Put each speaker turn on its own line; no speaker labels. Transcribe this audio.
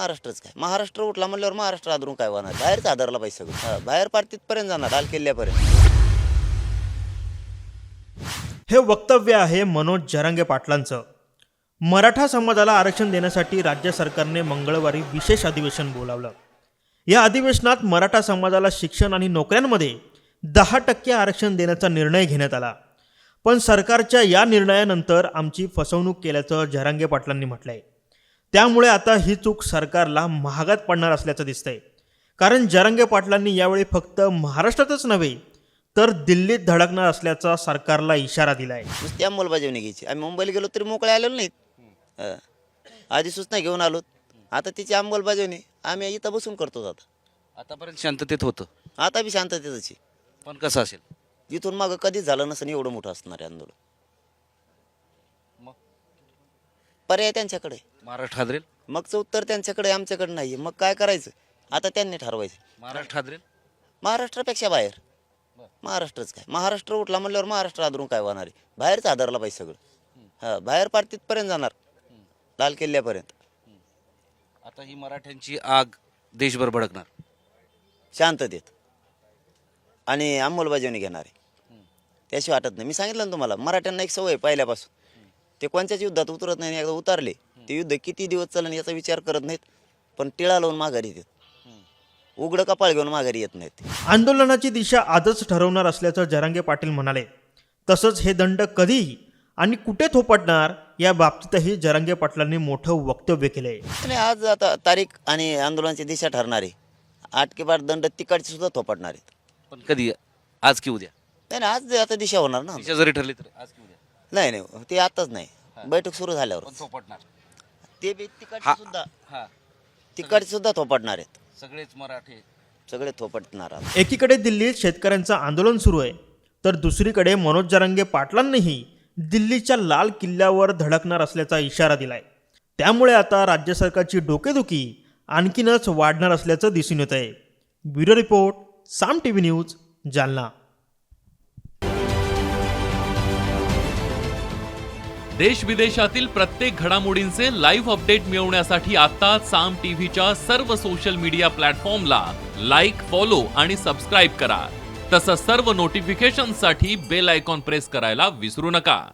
महाराष्ट्रच काय, महाराष्ट्र उठला म्हणल्यावर महाराष्ट्र आदरून काय होणार, बाहेरच आदरला पाहिजे सगळं, बाहेर पार तिथपर्यंत जाणार, लाल किल्ल्यापर्यंत.
हे वक्तव्य आहे मनोज जरांगे पाटलांचं. मराठा समाजाला आरक्षण देण्यासाठी राज्य सरकारने मंगळवारी विशेष अधिवेशन बोलावलं. या अधिवेशनात मराठा समाजाला शिक्षण आणि नोकऱ्यांमध्ये 10% आरक्षण देण्याचा निर्णय घेण्यात आला. पण सरकारच्या या निर्णयानंतर आमची फसवणूक केल्याचं जरांगे पाटलांनी म्हटलंय. त्यामुळे आता ही चूक सरकारला महागात पडणार असल्याचं दिसतंय. कारण जरांगे पाटलांनी यावेळी फक्त महाराष्ट्रातच नव्हे तर दिल्लीत धडकणार असल्याचा सरकारला इशारा दिलाय.
नुसती अंमलबजावणी घ्यायची. आम्ही मुंबईला गेलो तरी मोकळे आलेलो नाहीत. आधी सूचना घेऊन आलो, आता तिची अंमलबजावणी आम्ही इथं बसून करतो.
आतापर्यंत शांततेत होतं,
आता बी शांततेतच आहे.
पण कसं असेल
इथून मागं कधीच झालं नसेल एवढं मोठं असणार आहे आंदोलन.
मग
पर्याय त्यांच्याकडे,
महाराष्ट्र हादरेल,
मगचं उत्तर त्यांच्याकडे, आमच्याकडे नाही. मग काय करायचं आता त्यांनी ठरवायचं.
महाराष्ट्र हादरेल.
महाराष्ट्रापेक्षा बाहेर, महाराष्ट्रच काय, महाराष्ट्र उठला म्हणल्यावर महाराष्ट्र आदरून काय होणार आहे, बाहेरच आदरला पाहिजे सगळं, बाहेर पार तिथपर्यंत जाणार, लाल किल्ल्यापर्यंत.
आता ही मराठ्यांची आग देशभर भडकणार,
शांततेत आणि अंमलबजावणी घेणार आहे. त्याशिवाय वाटत नाही. मी सांगितलं ना तुम्हाला, मराठ्यांना एक सवय पहिल्यापासून, ते कोणत्याच युद्धात उतरत नाही. एकदा उतरले ते युद्ध किती दिवस चालेल याचा विचार करत नाहीत, पण टिळा लावून माघारी येतात, उघडं कपाळ घेऊन माघारी येत नाहीत.
आंदोलनाची दिशा आजच ठरवणार असल्याचं जरांगे पाटील म्हणाले. तसंच हे दंड कधी आणि कुठे थोपटणार या बाबतीतही जरांगे पाटलांनी मोठं वक्तव्य केलंय.
आणि आज आता तारीख आणि आंदोलनाची दिशा ठरणार आहे. 8 के बाद दंड तिकडचे सुद्धा थोपटणार आहेत.
पण कधी, आज की उद्या?
नाही नाही, आज आता दिशा होणार ना.
दिशा जरी ठरली तर आज की उद्या
नाही नाही, ते आताच नाही, बैठक सुरू झाल्यावर
पण थोपटणार.
ते बी तिकडचे सुद्धा,
हा,
तिकडचे सुद्धा थोपटणार आहेत.
सगळेच मराठे
सगळे थोपटणार.
एकीकडे दिल्लीत शेतकऱ्यांचं आंदोलन सुरू आहे, तर दुसरीकडे मनोज जरांगे पाटलांनीही दिल्लीच्या लाल किल्ल्यावर धडकणार असल्याचा इशारा दिलाय. त्यामुळे आता राज्य सरकारची डोकेदुखी आणखीनच वाढणार असल्याचं दिसून येत आहे. Bureau report, Saam TV news, Jalna.
देश विदेशातील प्रत्येक घडामोडींचे लाईव्ह अपडेट मिळवण्यासाठी आता साम टीव्हीच्या सर्व सोशल मीडिया प्लॅटफॉर्मला लाईक, फॉलो आणि सबस्क्राईब करा. तसंच सर्व नोटिफिकेशनसाठी बेल आयकॉन प्रेस करायला विसरू नका.